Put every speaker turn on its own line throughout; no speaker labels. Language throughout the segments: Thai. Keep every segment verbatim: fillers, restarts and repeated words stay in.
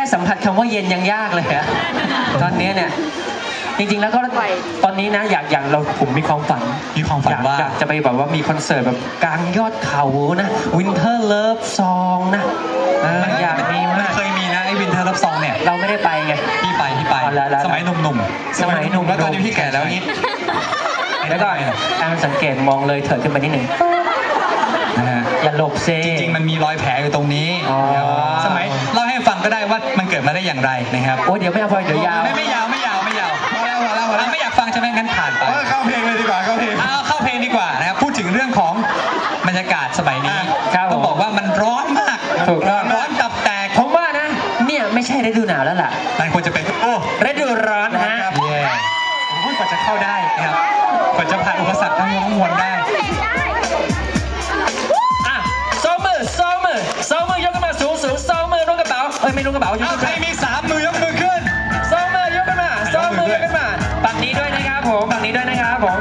สัมผัสคำว่าเย็นยังยากเลยอะตอนนี้เนี่ยจริงๆแล้วก็ตอนนี้นะอยากอยากเราผมมีความฝัน
มีความฝันว่า
อยากจะไปแบบว่ามีคอนเสิร์ตแบบกลางยอดเขานะ Winter Love Song นะอยากมีมาก
เคยมีนะไอ้ Winter Love Song เนี่ย
เราไม่ได้ไปไง
พี่ไปพี่ไปสมัยหนุ่มๆ
สมัยหนุ่ม
แล้วตอนนี้พี่แก่แล้วนี่
แล้วก็แอนสังเกตมองเลยเถิดขึ้นไปนิดหนึ่งอย่าหลบเซ
จริงๆมันมีรอยแผลอยู่ตรงนี้สมัยเล่าให้ฟังก็ได้ว่ามันเกิดมาได้อย่างไรนะครับ
โอ้เดี๋ยวไม่เอาพอเดี๋ยวยาว
ไม่ไม่ยาวไม่ยาวไม่ยาวไม่อยากฟังใช่ไหมงั้นผ่านไป
เข้าเพลงเลยดีกว่าเข้าเพลง
เอาเข้าเพลงดีกว่านะครับพูดถึงเรื่องของบรรยากาศสมัยนี้ต้องบอกว่ามันร้อนมาก
ถูกต้อง
ร้อนตับแตก
ผมว่านะเนี่ยไม่ใช่ฤดูหนาวแล้วล่ะ
มันควรจะเป็นโอ้
ฤดูร้อนฮะ
เย่กว่าจะเข้าได้นะครับกว่าจะผ่านอุปสรรคทั้งมวลได้
สองมือสองมือสองมือยกขึ้นมาสูงสูงสองมือล้วงกระเป๋าเอ้ยไม่ล้วงกระเป๋า
เอาใครมีสามมือยกมือขึ้น
สองมือยกขึ้นมาสองมือยกขึ้นมาฝั่งนี้ด้วยนะครับผมฝั่งนี้ด้วยนะครับผม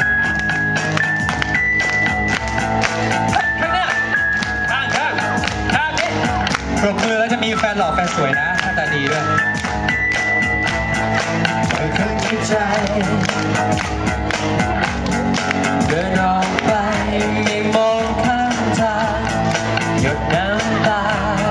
ข้างหน้าข้างข้างข้างนี้
ปรบมือแล้วจะมีแฟนหล่อแฟนสวยนะหน้าตาดีด้วย
ใจเดินออกไปไม่มองข้างทางหยดน้ำตา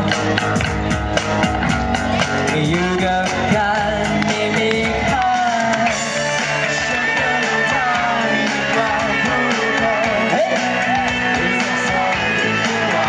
อยู่กับกันไม่มีค่าฉันก็รู้ทางว่าผู้คนเฮ้ยสองที่ว่า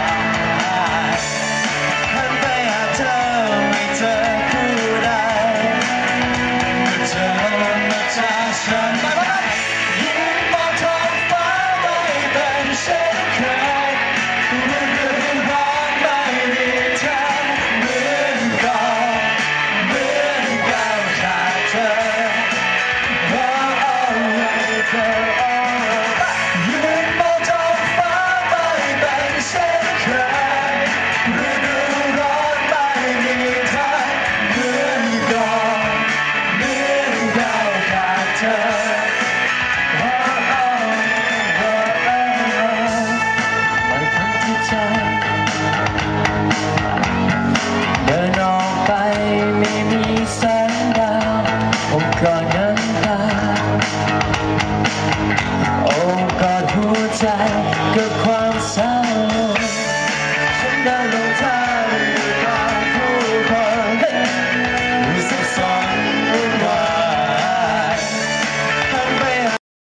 หันไปหาเธอไม่เจอคู่ใดเจอมาจากฉันยิ้มมองท้องฟ้าไม่เป็นเช่นเคยฤดูร้อนไม่มีเธอเหมือนก่อนเหมือนก้าวขาดเธอเพราะเอาไว้เธอยิ้มมองท้องฟ้าไม่เป็นเช่นเคยฤดูร้อนไม่มีเธอเหมือนก่อนเหมือนก้าวขาดเธอเดินออกไปไม่มีแสงดาวผมกอดน้ำตาโอ้กอดหัวใจ